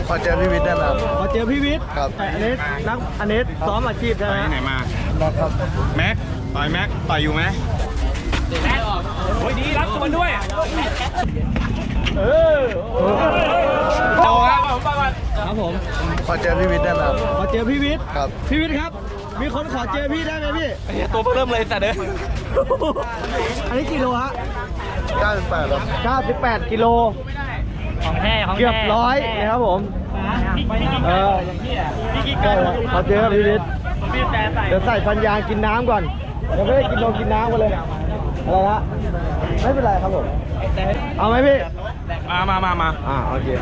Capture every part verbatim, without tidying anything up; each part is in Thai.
ขอเจอพี่วิทย์ได้ไหมครับขอเจอพี่วิทย์ครับอันนี้นักอันนี้ซ้อมอาชีพใช่ไหมไหนมาครับแม็กต่อยแม็กต่อยอยู่ไหมแม็กโอ้ยดีรับส่วนด้วยเออโตครับครับผมขอเจอพี่วิทย์ได้ไหมครับขอเจอพี่วิทย์ครับพี่วิทย์ครับมีคนขอเจอพี่ได้ไหมพี่ตัวเริ่มเลยแต่เด้ออันนี้กี่โลฮะเก้าสิบแปดครับเก้าสิบแปดกิโลของแท้ของแท้เกือบร้อยนะครับผมเออใช่ครับขอเจอพี่วิทย์เดี๋ยวใส่ฟันยางกินน้ำก่อนเดี๋ยวไม่ได้กินนมกินน้ำกันเลยอะไรนะไม่เป็นไรครับผมเอาไหมพี่มามามามาอ่าโอเค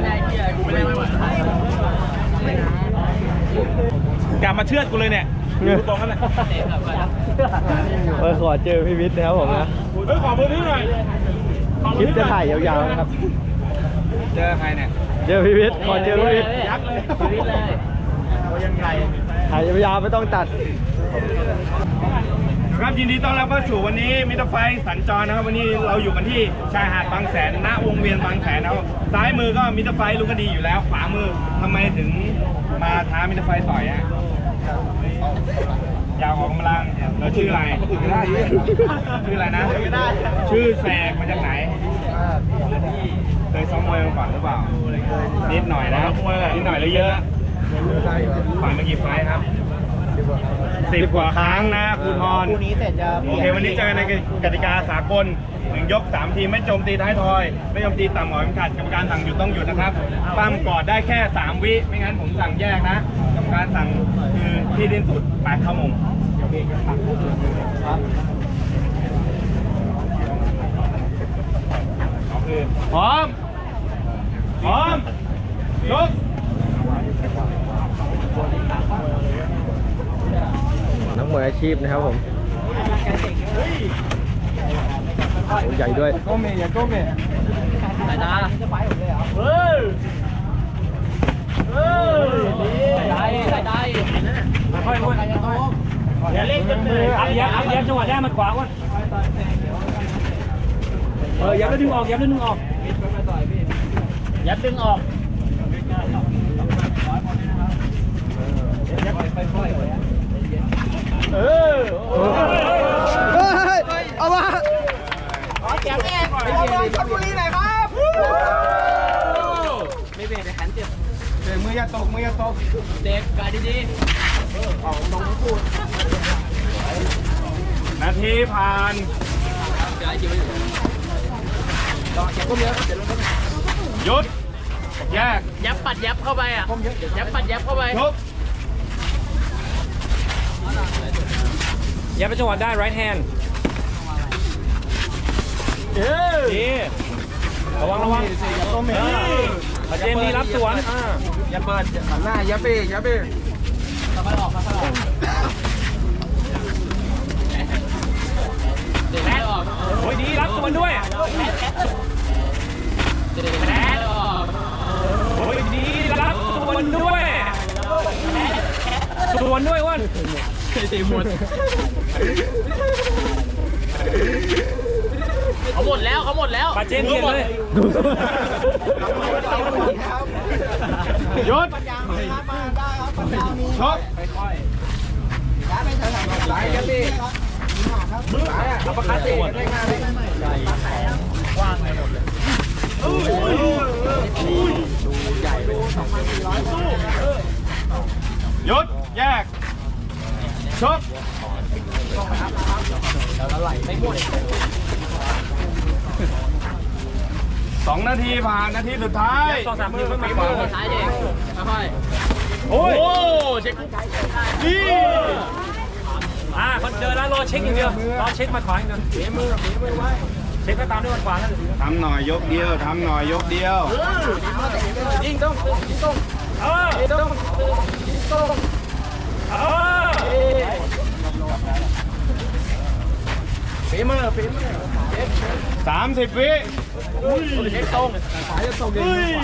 กลับมาเชือดกูเลยเนี่ยดูตรงกันเลยเออขอเจอพี่วิทย์นะครับผมนะเฮ้ยขอพื้นที่หน่อยคลิปจะถ่ายยาวๆนะครับเจอใครเนี่ยเจอพี่วิทย์ขอเจอพี่วิทย์ยักษ์เลยชีวิตเลยโอ้ยังไงถ่ายยาวๆไม่ต้องตัดครับยินดีต้อนรับเข้าสู่วันนี้มิตรไฟสัญจรนะครับวันนี้เราอยู่กันที่ชายหาดบางแสนณวงเวียนบางแสนนะครับซ้ายมือก็มิตรไฟลูกคดีอยู่แล้วขวามือทำไมถึงมาท้ามิตรไฟต่อยอ่ะอยากออกกำลังเราชื่ออะไรชื่ออะไรนะชื่อแสกมาจากไหนเคยซ้อมมวยมาก่อนหรือเปล่านิดหน่อยนะนิดหน่อยหรือเยอะผ่านมากี่ไฟครับสิบกว่าครั้งนะครูทรคู่นี้เสร็จจะโอเควันนี้เจอกันในกติกาสากลหนึ่งยกสามทีไม่โจมตีท้ายทอย ไม่โจมตีต่ำหมอยขาดกรรมการสั่งหยุดต้องหยุดนะครับปั้มกอดได้แค่สามวิไม่งั้นผมสั่งแยกนะกรรมการสั่งคือที่ดิ้นสุดแปดเข้ามุมคือพร้อมพร้อมยกนักมวยอาชีพนะครับผมโอ้ใหญ่ด้วยโก้เมย์อย่าโก้เมย์สายตาเฮ้ยเฮ้ยสายตาสายตาค่อยๆอย่าเล่นจนเหนื่อยอัพยับอัพยับจังหวะได้มันขวาก่อนเออยับแล้วดึงออกยับแล้วดึงออกยัดดึงออกเออเฮ้ยเอามาแก้แก้ก่อนเอามาชลบุรีหน่อยครับไม่เบรกเลยขันเจ็บเดี๋ยวมืออย่าตกมืออย่าตกเด็กกายดีนาทีผ่านๆเดี๋ยวอยู่ต่อเจ็บก็เยอะเจ็บลงก็หยุดแยกยับปัดยับเข้าไปอ่ะยับปัดยับเข้าไปทุบยับไปจังหวะได้ right hand เออดีระวังระวังมาเจมส์ดีรับสวนอ่าอย่าเปิดหันหน้าอย่าเบรกอย่าเบรกค่อยๆออกค่อยๆออกเด็กไม่ออกโอ้ยดีรับสวนด้วยเด็กไม่ออกโอ้ยดีรับสวนด้วยสวนด้วยอ้วนตีหมดเขาหมดแล้วเขาหมดแล้วมาเจมส์เปลี่ยนเลยหยุดชกเอาประคัดเตะได้ง่ายเลยหยุดแยกชกสองนาทีผ่านนาทีสุดท้ายสองสามทีค่อยมามือท้ายเด็กค่อยโอ้ยโอ้เช็คนี่อ่าคนเจอแล้วรอเช็คอย่างเดียวรอเช็คมาขวาอย่างเดียวเช็คก็ตามด้วยมันขวาแล้วทำหน่อยยกเดียวทำหน่อยยกเดียวยิงต้องยิงต้องเออต้องต้องเออฝีมือฝีมือสามสิบวิเช็คตรงสายจะตกเอง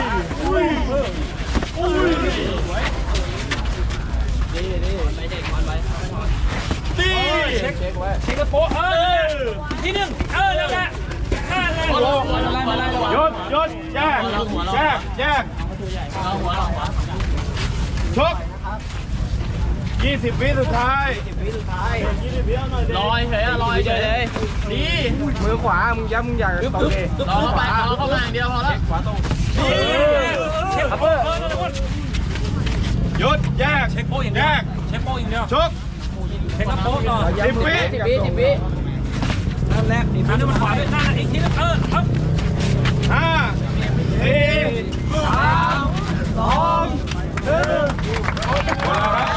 ดีดีไปเด็กมันไปตีเช็คเช็คกระโปะเออทีหนึ่งเออแล้วแหละนั่นแหละลงมาไล่มาไล่หยุดหยุดแยกแยกแยกชกยี่สิบวิสุดท้ายลอยเฉยอะลอยเฉยเลยดีมือขวามึงย้ำมึงอยากตรงนี้รอเข้าไปรอเข้ามาอย่างเดียวพอแล้วเช็คโป๊ะหยุดแยกเช็คโป๊ะอย่างเดีแยยวกเช็คโป๊ะอย่างเดียวชกเช็คโป๊ะก่อนสิบวิสิบวิสิบวินั่นแหละอีกทีนึงมันขวาด้วยข้างอีกทีนึงเออครับห้าสี่สามสองหนึ่งหมดแล้วครับ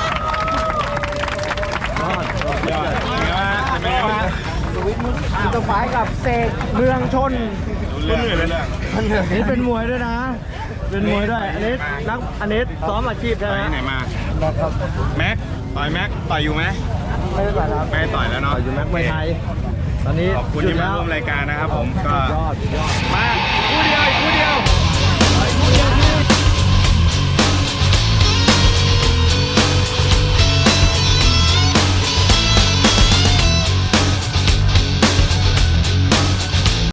ยอดเป็นไงบ้างเป็นไงบ้างอินเตอร์ไฟกับเสกเมืองชนรู้เรื่องเลยเรื่องอันนี้เป็นมวยด้วยนะ เป็นมวยด้วย อันนี้นักอันนี้ซ้อมอาชีพใช่ไปไหมไหนมาครับแม็ก ต่อยแม็ก ต่อยอยู่ไหมไม่ได้ต่อยครับไม่ได้ต่อยแล้วเนาะอยู่แม็กมวยไทย ตอนนี้ขอบคุณที่มาร่วมรายการนะครับผม ก็ยอดยอดมาคู่เดียวอีกคู่เดียวอีกคู่เดียว